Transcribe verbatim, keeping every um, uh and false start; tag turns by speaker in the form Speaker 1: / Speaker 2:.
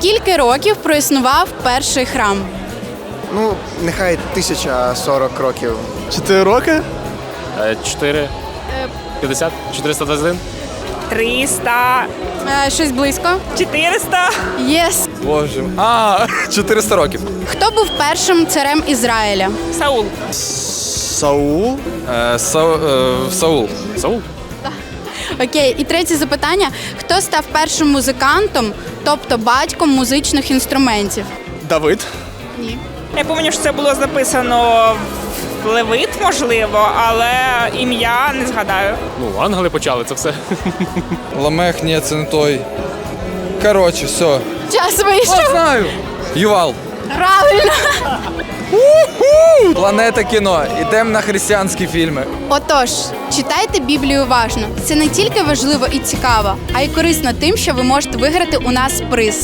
Speaker 1: Скільки років проіснував перший храм?
Speaker 2: Ну, нехай тисяча сорок років.
Speaker 3: Чотири роки?
Speaker 4: чотири. п'ятдесят? чотириста двадцять один?
Speaker 5: триста,
Speaker 1: Е, щось близько.
Speaker 5: чотириста.
Speaker 1: Єс.
Speaker 3: Боже. А, чотириста років.
Speaker 1: Хто був першим царем Ізраїля?
Speaker 5: Саул.
Speaker 3: Саул?
Speaker 6: Е, Сау, е, Саул.
Speaker 4: Саул?
Speaker 1: Окей, і третє запитання. Хто став першим музикантом, тобто батьком музичних інструментів?
Speaker 3: Давид.
Speaker 1: Ні.
Speaker 5: Я пам'ятаю, що це було записано в Левит, можливо, але ім'я не згадаю.
Speaker 4: Ну, ангели почали це все.
Speaker 6: Ламех, ні, це не той. Коротше, все.
Speaker 1: Час вийшов.
Speaker 6: Знаю. Ювал.
Speaker 1: Правильно.
Speaker 6: Планета кіно. Ідемо на християнські фільми.
Speaker 1: Отож, читайте Біблію уважно. Це не тільки важливо і цікаво, а й корисно тим, що ви можете виграти у нас приз.